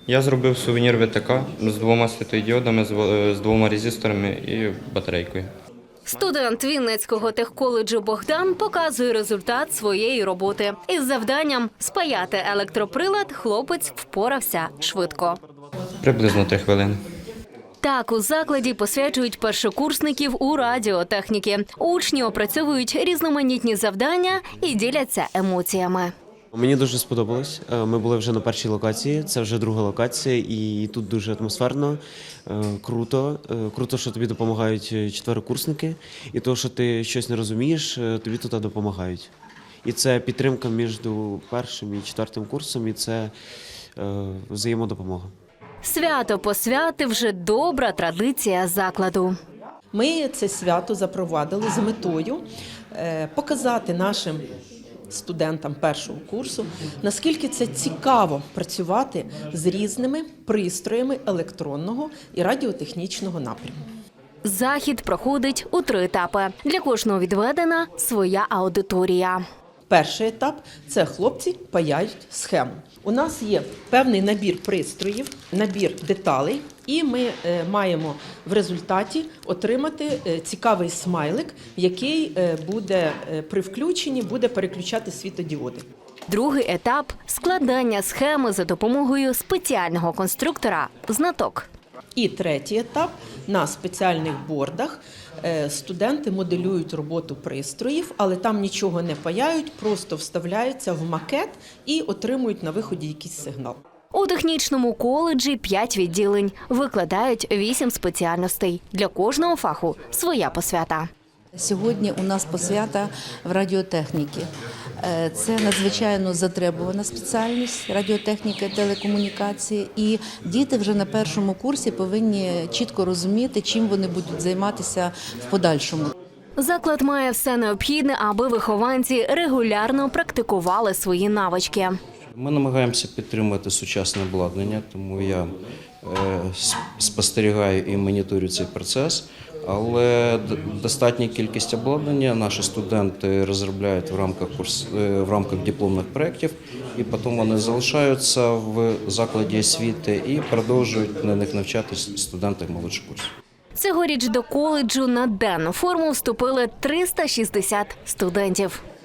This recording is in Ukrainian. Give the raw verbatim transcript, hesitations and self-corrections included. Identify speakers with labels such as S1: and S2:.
S1: Я зробив сувенір ВТК з двома світлодіодами, з двома резисторами і батарейкою.
S2: Студент Вінницького техколеджу Богдан показує результат своєї роботи. Із завданням спаяти електроприлад хлопець впорався швидко.
S1: Приблизно три хвилини.
S2: Так, у закладі посвячують першокурсників у радіотехніки. Учні опрацьовують різноманітні завдання і діляться емоціями.
S3: Мені дуже сподобалось. Ми були вже на першій локації, це вже друга локація, і тут дуже атмосферно, круто. Круто, що тобі допомагають четверокурсники, і то, що ти щось не розумієш, тобі тут допомагають. І це підтримка між першим і четвертим курсом, і це взаємодопомога.
S2: Свято посвяти вже добра традиція закладу.
S4: Ми це свято запровадили з метою показати нашим студентам першого курсу, наскільки це цікаво працювати з різними пристроями електронного і радіотехнічного напряму.
S2: Захід проходить у три етапи. Для кожного відведена своя аудиторія.
S4: Перший етап – це хлопці паяють схему. У нас є певний набір пристроїв, набір деталей, і ми маємо в результаті отримати цікавий смайлик, який буде при включенні буде переключати світодіоди.
S2: Другий етап – складання схеми за допомогою спеціального конструктора «Знаток».
S4: І третій етап – на спеціальних бордах студенти моделюють роботу пристроїв, але там нічого не паяють, просто вставляються в макет і отримують на виході якийсь сигнал.
S2: У технічному коледжі п'ять відділень, викладають вісім спеціальностей. Для кожного фаху своя посвята.
S5: Сьогодні у нас посвята в радіотехніці. Це надзвичайно затребувана спеціальність радіотехніка і телекомунікації. І діти вже на першому курсі повинні чітко розуміти, чим вони будуть займатися в подальшому.
S2: Заклад має все необхідне, аби вихованці регулярно практикували свої навички.
S6: Ми намагаємося підтримувати сучасне обладнання, тому я спостерігаю і моніторю цей процес. Але достатня кількість обладнання наші студенти розробляють в рамках курс, в рамках дипломних проєктів, і потім вони залишаються в закладі освіти і продовжують на них навчатися студенти молодших курсів.
S2: Цьогоріч до коледжу на денну форму вступили триста шістдесят студентів.